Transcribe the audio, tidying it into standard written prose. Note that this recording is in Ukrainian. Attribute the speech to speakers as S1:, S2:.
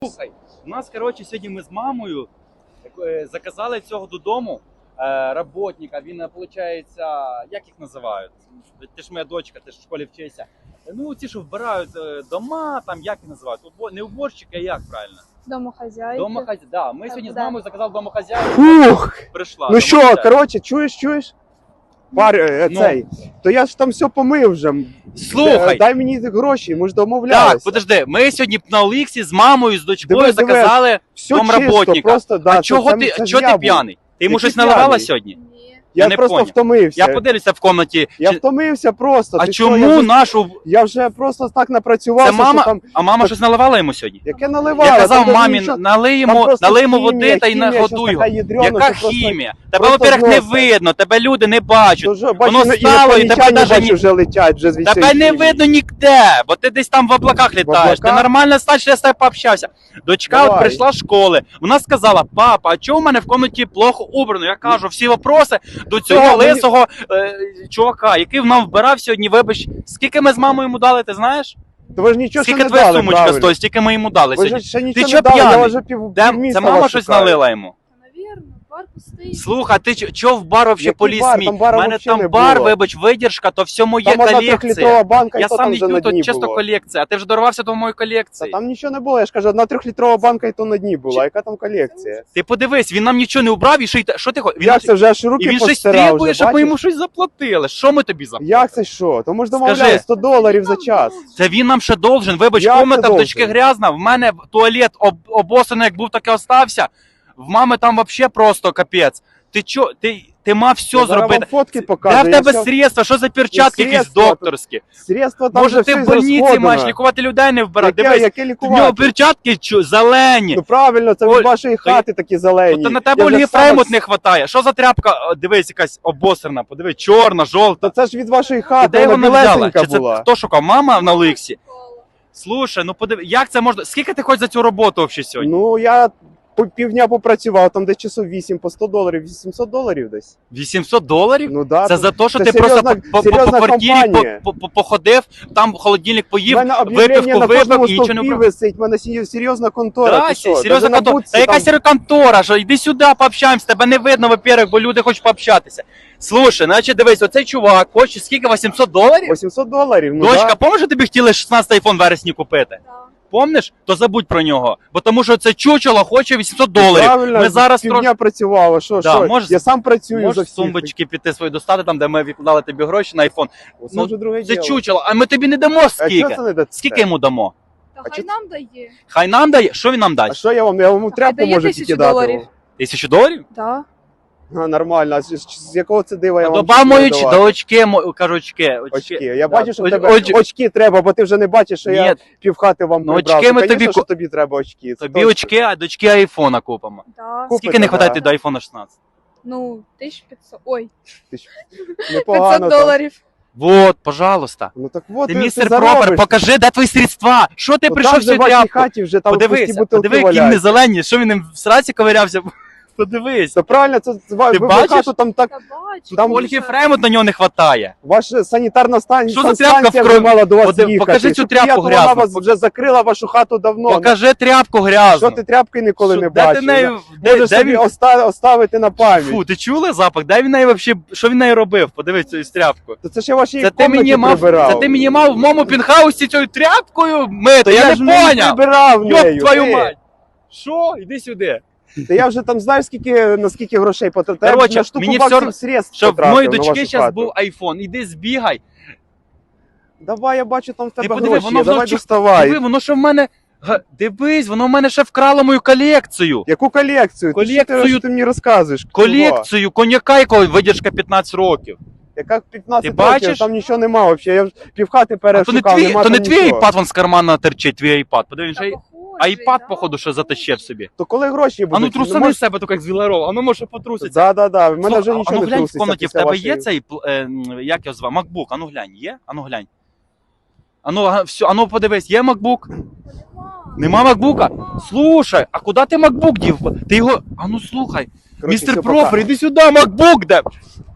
S1: Слухай, у нас, коротше, сьогодні ми з мамою заказали цього додому роботника. Він, виходить, як їх називають? Ти ж моя дочка, ти ж в школі вчишся. Ну, ці, що вбирають дома, там, як їх називають? Не уборщики, а як правильно?
S2: Домохозяйки.
S1: Домохозяйки, да. Ми сьогодні з мамою заказали домохозяйку.
S3: Ух!
S1: Прийшла.
S3: Ну що, коротше, чуєш? Цей.
S1: Ну.
S3: То я ж там все помив вже.
S1: Слухай.
S3: Дай мені гроші, ми ж домовлялися.
S1: Так, подожди, ми сьогодні на Оліксі з мамою, з дочкою
S3: Диви,
S1: заказали
S3: все
S1: домработника.
S3: чисто, просто, да,
S1: А чого ти п'яний? Ти йому щось наливала
S3: п'яний?
S1: сьогодні?
S2: Ні.
S3: Я
S1: не
S3: просто
S1: поняв.
S3: втомився.
S1: Я подивлюся в комнаті.
S3: Я втомився просто.
S1: А
S3: Ти
S1: чому
S3: що,
S1: нашу...
S3: Я вже просто так напрацювався,
S1: Це мама,
S3: що там...
S1: а мама щось наливала йому сьогодні?
S3: Яке наливало?
S1: Я казав
S3: там
S1: мамі,
S3: нічого-
S1: налий
S3: там
S1: йому
S3: просто
S1: води та й
S3: хімія,
S1: нагодуй
S3: щось
S1: його.
S3: така ядрена,
S1: Яка
S3: що просто-
S1: хімія? Тебе,
S3: просто
S1: во-первых, не
S3: зноса.
S1: видно, тебе люди не бачать.
S3: Дуже,
S1: Воно
S3: бачу,
S1: стало, і тебе
S3: інопланетяни,
S1: даже
S3: бачу,
S1: ні-
S3: вже летять, вже звідси.
S1: Тебе не
S3: хімії.
S1: видно ніде, бо ти десь там в облаках літаєш. Ти
S3: облаках?
S1: нормально стач, я з тобою пообщався. Дочка от
S3: Давай.
S1: прийшла з школи. Вона сказала: папа, а чого в мене в комнаті плохо убрано? Я кажу, всі вопроси до цього
S3: Та, мені-
S1: лисого чувака, який нам вбирав сьогодні, вибач. Скільки ми з мамою йому дали, ти знаєш?
S3: То ви ж нічого ще
S1: Скільки
S3: не
S1: твоя
S3: дали,
S1: сумочка
S3: правильно.
S1: стоїть, стільки ми йому дали
S3: Ви ж
S1: сьогодні.
S3: ще нічого
S1: чо
S3: не дали, я
S1: п'яний?
S3: вже
S1: Це
S3: півміста
S1: мама
S3: вас
S1: щось
S3: шукаю.
S1: налила йому.
S2: Навірно, бар пустий.
S1: Слухай, ти чого в бар вообще
S3: Який
S1: поліз
S3: бар?
S1: мій?
S3: Там
S1: У
S3: бара
S1: мене
S3: вообще
S1: там
S3: не
S1: бар,
S3: було.
S1: вибач, видержка, то все моє
S3: Там одна
S1: колекція.
S3: трьохлітрова банка, і
S1: Я
S3: то
S1: сам
S3: там
S1: не
S3: вже
S1: п'ю,
S3: на
S1: то
S3: дні
S1: чисто
S3: було.
S1: колекція. А ти вже дорвався до моєї
S3: Та
S1: колекції.
S3: там нічого не було, я ж кажу, одна трьохлітрова банка, і то на дні була. Яка там колекція?
S1: Ти подивись, він нам нічого не убрав і ще й що ти хочеш?
S3: Як це вже аж
S1: І
S3: руки
S1: він щось
S3: постирав
S1: требує,
S3: вже,
S1: щоб ми
S3: бачиш?
S1: йому щось заплатили. Що ми тобі заплатили?
S3: Як це що? То ми ж
S1: Скажи.
S3: домовляли $100 за час.
S1: Це він нам ще должен. Вибач,
S3: Як
S1: комната
S3: це
S1: в дочки
S3: должен?
S1: грязна, в мене туалет обосаний, як був, так і остався. В мами там вообще просто капець. Ти чо? Ти мав все
S3: Я зараз
S1: зробити.
S3: вам фотки
S1: Де
S3: покажу.
S1: в
S3: я
S1: тебе
S3: все-
S1: средства? Що за перчатки якісь
S3: средства,
S1: докторські?
S3: Средства там
S1: Може
S3: вже
S1: ти
S3: все
S1: в больниці
S3: зрозходено.
S1: маєш лікувати людей, не вбирати?
S3: Яке,
S1: Дивись,
S3: яке
S1: в нього
S3: лікувати?
S1: перчатки зелені.
S3: Ну правильно, це
S1: Оль,
S3: від вашої хати такі зелені.
S1: То на тебе
S3: Я вже
S1: Ольги
S3: сам-
S1: Фреймут не вистачає. Що за тряпка? О, дивись, якась обосрана, подивись, чорна, жовта.
S3: То це ж від вашої
S1: І
S3: хати,
S1: де
S3: вона
S1: вона взяла?
S3: білесенька
S1: Чи це
S3: була.
S1: хто шукав? Мама на Олексі? Слушай, ну подиви, як це можна? Скільки ти хочеш за цю роботу взагалі сьогодні?
S3: Ну, я півдня попрацював, там десь часов 8 по $100, $800 десь.
S1: $800?
S3: Ну да.
S1: Це
S3: то-
S1: за те, що
S3: це
S1: ти просто
S3: серйозна-
S1: по
S3: серйозна
S1: квартирі
S3: компанія.
S1: походив, там холодильник
S3: У
S1: поїв,
S3: мене об'явлення
S1: випивку
S3: на кожному
S1: випив і нічого не
S3: стовпі
S1: вбрав.
S3: висить, в мене серйозна контора.
S1: Да,
S3: ти що?
S1: серйозна
S3: Даже на
S1: контора.
S3: будці
S1: Та яка
S3: там-
S1: серйозна контора? Що йди сюди, пообщаємося, тебе не видно, во-первых, бо люди хочуть пообщатися. Слушай, значить, дивись, оцей чувак хоче скільки, $800?
S3: $800, ну
S1: Дочка,
S3: да.
S1: помниш, тобі хотіли 16 айфон в вересні купити?
S2: Да.
S1: Помниш? То забудь про нього. Бо тому що це чучело хоче $800.
S3: Правильно,
S1: Ми зараз
S3: півдня
S1: трошки...
S3: працював, а що,
S1: Да,
S3: що?
S1: можеш-
S3: Я сам працюю за
S1: Можеш
S3: всіх.
S1: сумбочки піти свої достати, там, де ми відкладали тобі гроші на айфон.
S3: Це
S1: Ну,
S3: вже друге
S1: Це
S3: діло.
S1: чучело, а ми тобі не дамо
S3: А
S1: скільки.
S3: чого це не дасте?
S1: Скільки йому дамо?
S2: Та
S3: А
S2: хай
S3: чи-
S2: нам дає.
S1: Хай нам дає. Що він нам
S3: А
S1: дасть?
S3: що я вам тряпку
S2: дає
S3: можу
S2: 1000
S3: тільки дати?
S2: доларів.
S3: вам?
S1: $1000?
S2: Да.
S3: А, нормально. А з якого це дива я вам
S1: Добав мої
S3: буду
S1: до
S3: давати?
S1: очки, кажу очки.
S3: Очки. Я бачу, що в
S1: Оч-
S3: тебе
S1: оч-
S3: очки треба, бо ти вже не бачиш, що я
S1: Ні,
S3: півхати вам
S1: Ну,
S3: прибрав.
S1: очки ми
S3: Конечно,
S1: тобі
S3: що тобі треба очки. це
S1: тобі
S3: точно.
S1: очки, а дочки айфона купимо.
S2: Да.
S3: Купите,
S1: Скільки не вистачає
S3: да.
S1: до айфона 16?
S2: Ну, 1500. Ой,
S3: Непогано
S2: 500
S3: там.
S2: доларів.
S1: Вот, пожалуйста.
S3: Ну так от
S1: Ти
S3: ти
S1: містер
S3: заробиш.
S1: Пропер, покажи, де твої средства. Що ти
S3: Ну,
S1: прийшов
S3: там
S1: в
S3: же
S1: цю
S3: в вашій
S1: тряпку?
S3: хаті вже там пусті
S1: Подивися,
S3: бутилки
S1: подиви, які вони
S3: валяються.
S1: зелені, що він їм в сраці ковирявся. Подивись.
S3: Це правильно, це ви
S1: бачиш?
S3: хату там так,
S2: Та бачу.
S3: Там
S1: Ольги Фреймут на нього не вистачає.
S3: ваша санітарна
S1: Що за тряпка
S3: станція
S1: в
S3: вже
S1: крові?
S3: мала до вас
S1: Покажи
S3: їхати.
S1: цю
S3: Щоб
S1: тряпку
S3: приїхала,
S1: грязну.
S3: Вона вас вже закрила вашу хату давно.
S1: Покажи тряпку грязну.
S3: Що ти тряпки ніколи
S1: Що,
S3: не
S1: де ти
S3: бачив?
S1: нею-
S3: Можеш
S1: де
S3: собі
S1: він-
S3: оставити на пам'ять.
S1: Фу, ти чула запах? Де він нею вообще, що він нею робив? Подивись цю тряпку.
S3: То це ще ваші
S1: Це ти мені мав,
S3: прибирав.
S1: це ти мені мав в моєму пінхаусі цією тряпкою мити,
S3: То
S1: я
S3: я
S1: не
S3: ж не
S1: поняв.
S3: прибирав
S1: Йоп
S3: нею.
S1: твою
S3: ти.
S1: мать. Що? Іди сюди.
S3: Та я вже там знаю, на скільки грошей потратив.
S1: Короче,
S3: на штуку
S1: мені
S3: баксів
S1: всьо-
S3: средств
S1: Щоб в
S3: потратив
S1: моїй
S3: на
S1: дочки
S3: вашу
S1: зараз
S3: хату.
S1: був айфон. Іди збігай.
S3: Давай, я бачу, там в тебе
S1: подиви,
S3: гроші,
S1: воно
S3: є, давай
S1: вночі-
S3: доставай.
S1: Диви, воно що в мене. Дивись, воно в мене ще вкрало мою колекцію.
S3: Яку колекцію?
S1: Колекцію-
S3: Що ти мені розказуєш? Чого?
S1: Колекцію коньяка, якого видержка 15 років.
S3: Яка 15
S1: Ти
S3: років,
S1: бачиш?
S3: там нічого нема взагалі. Я вже півхати
S1: А то
S3: перешукав,
S1: не твій,
S3: нема
S1: то не
S3: там
S1: твій
S3: нічого.
S1: айпад вон з кармана терчить, твій айпад. Подивись,
S2: Та
S1: ай-
S2: похожий,
S1: айпад,
S2: да,
S1: походу, що затащив собі.
S3: То коли гроші будуть?
S1: А ну трусани
S3: можеш-
S1: з себе, так як з Віларова, а ну може потруситься.
S3: Да. В мене
S1: Слухай,
S3: вже
S1: а
S3: нічого
S1: ну
S3: не
S1: глянь в
S3: труситься.
S1: комнаті, в
S3: після
S1: тебе
S3: вашої-
S1: є цей, як його звати, MacBook, а ну глянь, є? А ну глянь. А ну, все, а ну подивись, є MacBook?
S2: Нема.
S1: Нема MacBook? Слушай, а куди ти MacBook дів? Ти його, а ну слухай,
S3: Коротше,
S1: містер
S3: все,
S1: Профер,
S3: пока.
S1: іди сюди, MacBook де?